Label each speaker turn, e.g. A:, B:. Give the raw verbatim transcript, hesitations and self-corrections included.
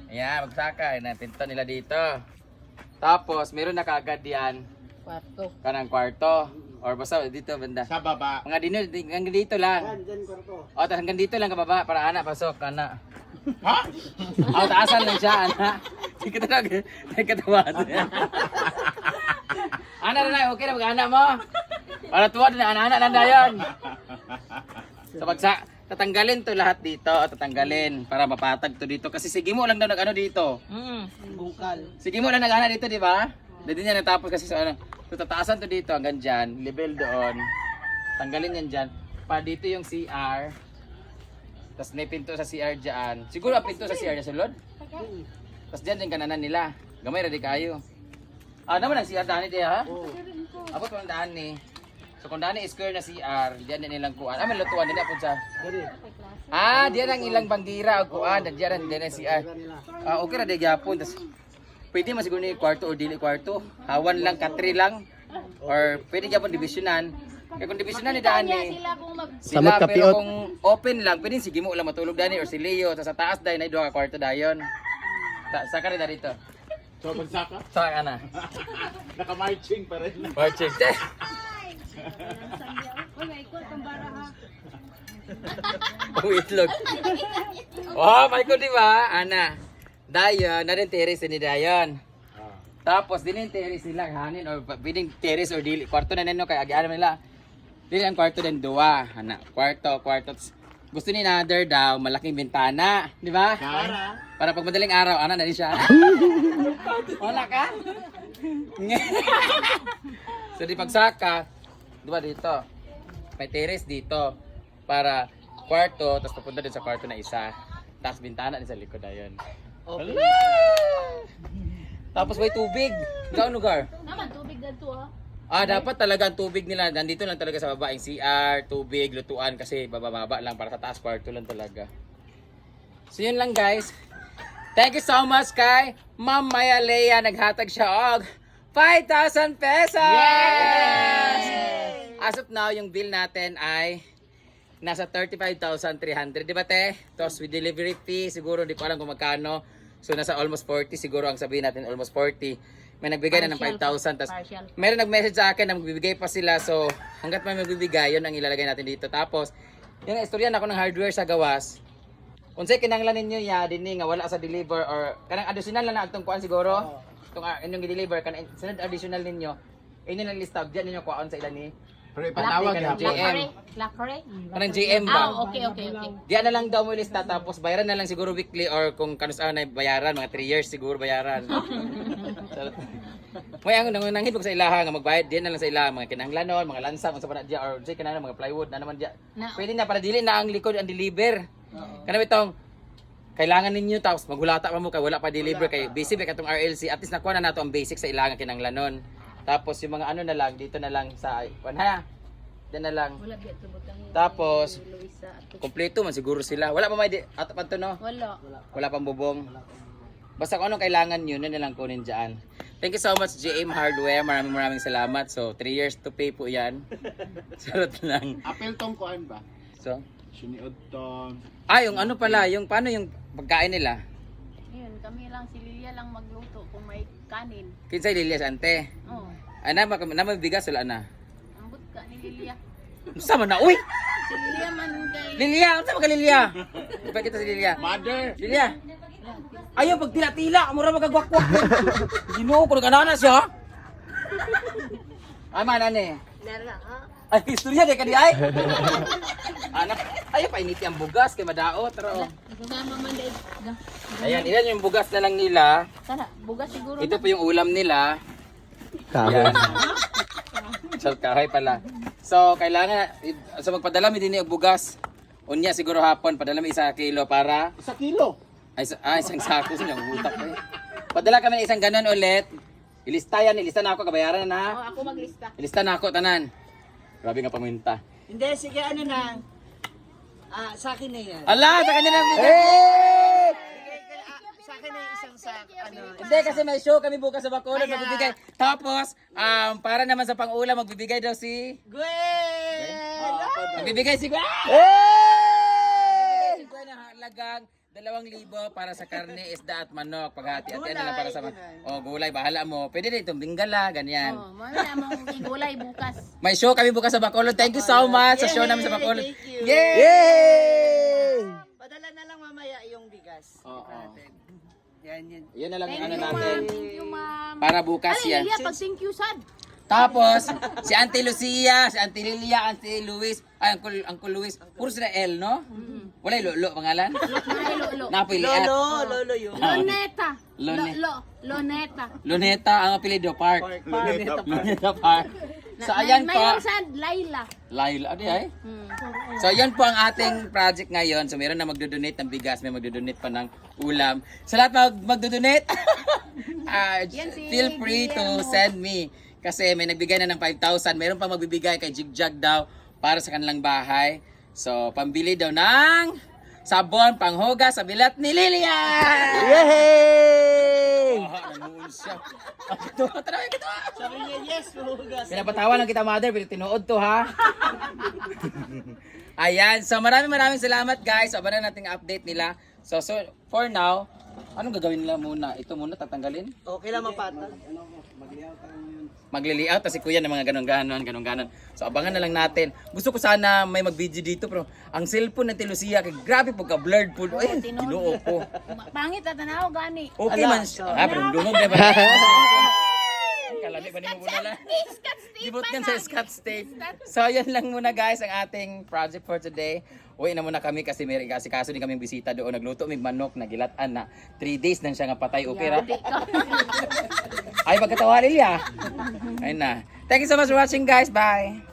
A: Ayan, magsaka. Ayan, pinto nila dito. Tapos, meron na kaagad yan.
B: Kwarto.
A: Kanang kwarto. Or basta dito, banda.
C: Sa baba.
A: Mga dino, di- hanggang dito lang. O, tapos hanggang dito lang kababa. Para anak, pasok, anak.
C: Ha?
A: O, taasan lang siya, anak. Hindi ka talaga. Hindi ka tawad. Anak na na, okay na mag-anak mo. Para tuwa na, anak-anak na na yun. So, pagsa, tatanggalin to lahat dito. O, tatanggalin. Para mapatag to dito. Kasi sige mo lang daw nag-ano dito.
B: Mm. Bungkal.
A: Sige mo lang nag-anak dito, di ba? Hindi niya natapos kasi sa ano. So, tataasan to dito hanggang dyan. Level doon. Tanggalin yan dyan. Pa dito yung C R. Tapos may pinto sa C R dyan. Siguro ang pinto sa C R na sulod. Tapos dyan yung kananan nila. Gamay radi kayo. Ah, naman ang C R daan ni ha? Oo. Abot ko ng daan ni. So kung daan ni square na C R, diyan din nilang kuan. Ah, may lutuan din apod sa. Ah, diyan ang ilang banggira o kuan. Diyan din ang C R. Ah, okay ra di gyapon. Tas pwede man siguro ni kwarto o dili kwarto. Hawan lang, katri lang. Or pwede gyapon divisionan. Kaya kung divisionan ni daan ni. Sila,
D: Samot ka,
A: pero
D: piot.
A: kung open lang, pwede sige mo lang matulog dani or si Leo. Sa taas dahil na duha ka kwarto dayon. Sa sa kare dito.
C: So, magsaka?
A: Sa ana.
C: Naka-marching pa rin.
A: Marching. Oh, itlog. Oh, may ko di ba? Ana. Dayon, na rin terrace ni Dayon. Tapos din yung terrace nila hanin or pwedeng terrace or dili kwarto na nino kay agian nila. Dili ang kwarto din duwa, ana. Kwarto, kwarto. Gusto ni another daw malaking bintana, di ba?
C: Para?
A: Para pag madaling araw, ana na rin siya. Wala ka? So di pagsaka, di ba dito? May terrace dito para kwarto, tapos papunta din sa kwarto na isa. Tapos bintana din sa likod na yun.
B: Okay.
A: Tapos may tubig. Saan lugar?
B: Naman, tubig na to ha.
A: Ah, dapat talaga ang tubig nila. Nandito lang talaga sa baba. Yung C R, tubig, lutuan. Kasi bababa lang para sa taas kwarto lang talaga. So yun lang guys. Thank you so much kay Ma'am Maya Lea. Naghatag siya og five thousand pesos! Yes! As of now, yung bill natin ay nasa thirty-five thousand three hundred. Di ba te? Tapos with delivery fee, siguro di ko alam kung magkano. So nasa almost forty siguro ang sabihin natin, almost forty. May nagbigay na ng five thousand. Tapos meron nag-message sa akin na magbibigay pa sila. So hanggat may magbibigay, yun ang ilalagay natin dito. Tapos yung istorya na ako ng hardware sa gawas. Kung sa'yo kinanglan ninyo ya, dini nga wala sa deliver or kanang additional lang na agtong kuan siguro. Itong uh, inyong i-deliver, kanang sunod additional ninyo. Inyo lang list up, dyan ninyo kuan sa ilan ni.
C: Pre,
A: Panawag
C: panawag
A: ng J M.
B: Lakare?
A: Kanang J M ba?
B: Ah, okay, okay, okay.
A: Diyan na lang daw mo lista tapos bayaran na lang siguro weekly or kung kanus ano na bayaran mga three years siguro bayaran. May ang nangunangin ko sa ilaha nga magbayad diyan na lang sa ilaha mga kinahanglanon, mga lansang unsa pa na diya or say kanana mga plywood na naman diya.
B: Na-
A: Pwede na para dili na ang likod ang deliver. Kana bitong kailangan ninyo tapos maghulata pa mo kay wala pa deliver kay busy ba katong R L C at least nakuha na nato ang basic sa ilaha nga kinahanglanon. Tapos yung mga ano na lang dito na lang sa kuan ha. Diyan na lang.
B: Wala biya tubutang ni
A: Tapos
B: Luisa.
A: kompleto man siguro sila. Wala pa may di at pa to no.
B: Wala.
A: Wala pang bubong. Basta kung anong kailangan nyo, yun na lang kunin dyan. Thank you so much J M Hardware. Maraming maraming salamat. So, three years to pay po yan. Sarot lang.
C: Apel tong kuan ba?
A: So,
C: Suniod tong.
A: ah, yung ano pala, yung paano yung pagkain nila?
E: Yun, kami lang, si Lilia lang magluto kung may kanin.
A: Kinsay Lilias ante.
E: Oh,
A: Ana, na, na may bigas wala na.
E: ambot ka ni Lilia.
A: Sama na, uy!
E: Si Lilia man kay...
A: Lilia! Ano sama ka Lilia? Ipa kita si Lilia.
C: Mother!
A: Lilia! Ayaw, pag tila-tila, mura magagwakwak. Ginoo ko, nag-anana siya. Ay, man, ane.
E: Lara, ha?
A: Ay, istorya di ka di ay. Anak, ayaw pa initi ang bugas kay madaot. Pero,
E: Sumama man dahil.
A: ayan, ilan yung bugas na lang nila.
E: Sana, bugas siguro
A: Ito po yung ulam nila.
D: Kahoy.
A: Yan. So, kahoy pala. So, kailangan, so magpadala mi din yung bugas. Unya siguro hapon, padala mi isa kilo para,
C: Isa kilo!
A: ay, sa- ah, isang sako sa niyang utak ko eh. Padala kami ng isang ganon ulit. Ilista yan, ilista na ako, kabayaran na.
E: Oh, ako maglista.
A: Ilista na ako, tanan. Grabe nga paminta.
F: Hindi, sige, ano na. Ah, sa akin na yan.
A: Ala, sa kanya na bigay.
F: Ah, sa akin na yung isang sa, ano.
A: Hindi kasi may show kami bukas sa Bacolod magbibigay. Tapos, um, para naman sa pang-ulam magbibigay daw si
F: Gwen!
A: magbibigay si Gwen. Magbibigay si Gwen ng halagang Dalawang libo para sa karne, isda at manok. Paghati-hati na lang para sa man-
F: Gulay,
A: oh, gulay, bahala mo. Pwede din itong binggala, ganyan.
E: Oh, mamaya mong igulay bukas.
A: May show kami bukas sa Bacolod. Thank you so much sa show namin sa Bacolod.
F: Thank you.
A: Yay!
D: Yay!
F: Padala na lang mamaya yung bigas.
A: Oo.
F: Natin. Yan yun.
A: Yan na lang
E: Thank
A: yung ano
E: you,
A: natin.
E: ma'am. Thank you, ma'am.
A: Para bukas
E: Ay,
A: yan.
E: Lilia, pag thank you, sad.
A: Tapos, si Auntie Lucia, si Auntie Lilia, Auntie Luis, ay, Uncle, Uncle Luis, puro sila L, no? Wala yung Lolo, pangalan?
E: Ay, Lolo.
A: Napoy Liat.
F: Lolo, lolo yun.
E: Loneta.
A: Lone-
E: Lo, lo, Loneta.
A: Luneta, ang apelido, Park.
F: Luneta Park.
A: Luneta Park. So, ayan po.
E: Mayroong sad, Laila.
A: Laila, ano ay?
E: Hmm.
A: So, yan po ang ating project ngayon. So, meron na magdodonate ng bigas, may magdodonate pa ng ulam. Sa lahat mag magdodonate, ah,
E: Yan si
A: feel free to
E: Guillermo.
A: send me. Kasi may nagbigay na ng five thousand. Meron pa magbibigay kay Jigjag daw para sa kanilang bahay. So, pambili daw ng sabon, panghuga sa bilat ni Lilia!
D: Yay!
A: Oh, namuun siya. Ito, tara, ito.
F: Sabi niya, yes, hugas.
A: Pinapatawan lang kita, mother, pero tinuod to, ha? Ayan, so maraming maraming salamat, guys. So, abangan natin ang update nila. So, so, for now, anong gagawin nila muna? Ito muna, tatanggalin?
F: Okay lang mapatag.
A: Magli-layout, kasi kuya ng mga ganun-ganon, ganun-ganon. So, abangan na lang natin. Gusto ko sana may mag-video dito, pero ang cellphone ng Lucia, kay grabe pagka-blurred po. Ay, tinuo ko.
E: Ma- Pangit at tanaw gani.
A: Okay
F: Ala,
A: man siya.
F: so-
A: Ah, pero dungog na ba? Kalami ba ni mo muna lang?
E: Scott Steve
A: Gibot
E: pa
A: yan
E: na.
A: sa Scott State. So, yan lang muna guys ang ating project for today. Uwi na muna kami kasi may kasi kaso din kaming bisita doon. Nagluto may manok na gilatan na three days nang siya nga patay. Okay ra?
E: Di ka.
A: Ay, pagkatawa Lilia. Ayun na. Thank you so much for watching guys. Bye!